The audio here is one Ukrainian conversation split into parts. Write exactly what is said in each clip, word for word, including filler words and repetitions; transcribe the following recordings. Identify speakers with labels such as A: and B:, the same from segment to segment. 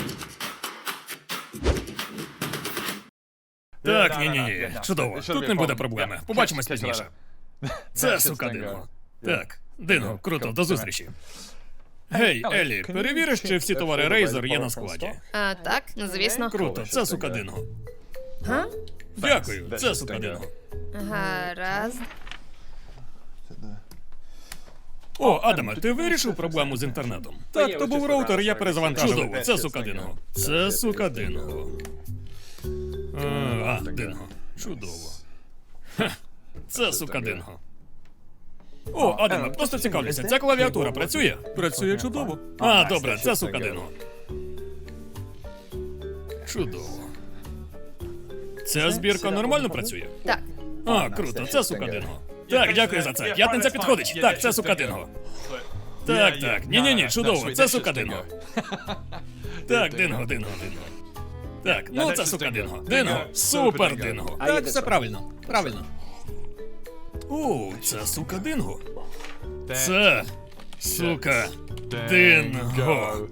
A: Так, ні-ні-ні, чудово. Тут не буде проблеми. Побачимось пізніше. Це сука Динго. Так, Динго, круто, до зустрічі. Гей, Еллі, перевіриш, чи всі товари Razer є на складі?
B: А, так, ну звісно.
A: Круто, це сука Динго.
B: Га?
A: Дякую, це сука Динго.
B: Гаразд.
A: О, Адаме, ти вирішив проблему з інтернетом? Так, то був роутер, я перезавантажив. Чудово, це сука Динго. Це сука Динго. А, а, Динго. Чудово. Ха, це сука Динго. О, Адаме, просто цікавлюся, ця клавіатура працює? Працює чудово. А, добре, це сука Динго. Чудово. Ця збірка нормально працює?
B: Так.
A: А, круто, це сука Динго. Так, дякую за це. П'ятниця підходить. Так, це сука Динго. Так, так. Ні-ні-ні, чудово, це сука Динго. Так, Динго, Динго, Динго. Так, ну це сука Динго. Динго, супер Динго. Так, все правильно. Правильно. О, це сука Динго. Це сука Динго.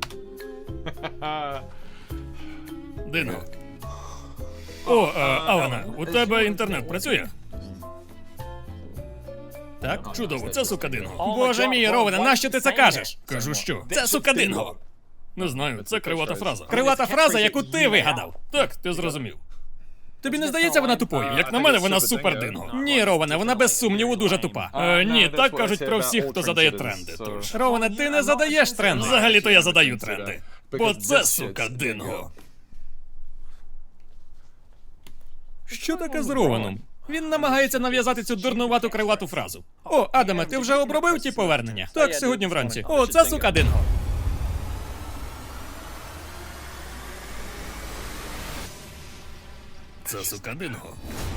A: Динго. О, а, Алана, у тебе інтернет працює? Так, чудово, це сука Динго. Боже мій, Ровене, нащо ти це кажеш? Кажу що? Це сука Динго. Не знаю, це кривата фраза. Кривата фраза, яку ти вигадав. Так, ти зрозумів. Тобі не здається вона тупою? Як на мене, вона супер Динго. Ні, Роване, вона без сумніву дуже тупа. Е, ні, так кажуть про всіх, хто задає тренди. Тож, Роване, ти не задаєш тренди. Взагалі-то я задаю тренди. Бо це сука Динго. Що таке з Рованом? Він намагається нав'язати цю дурнувату кривату фразу. О, Адаме, ти вже обробив ті повернення? Так, сьогодні вранці. О, це сука Динго. Це сука Динго.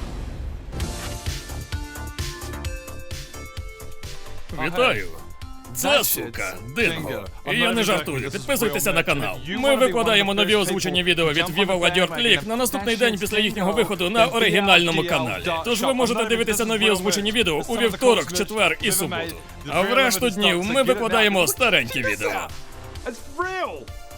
A: Вітаю. Це сука Динго. І я не жартую. Підписуйтеся на канал. Ми викладаємо нові озвучені відео від Viva La Dirt League на наступний день після їхнього виходу на оригінальному каналі. Тож ви можете дивитися нові озвучені відео у вівторок, четвер і суботу. А в решту днів ми викладаємо старенькі відео.
C: It's real!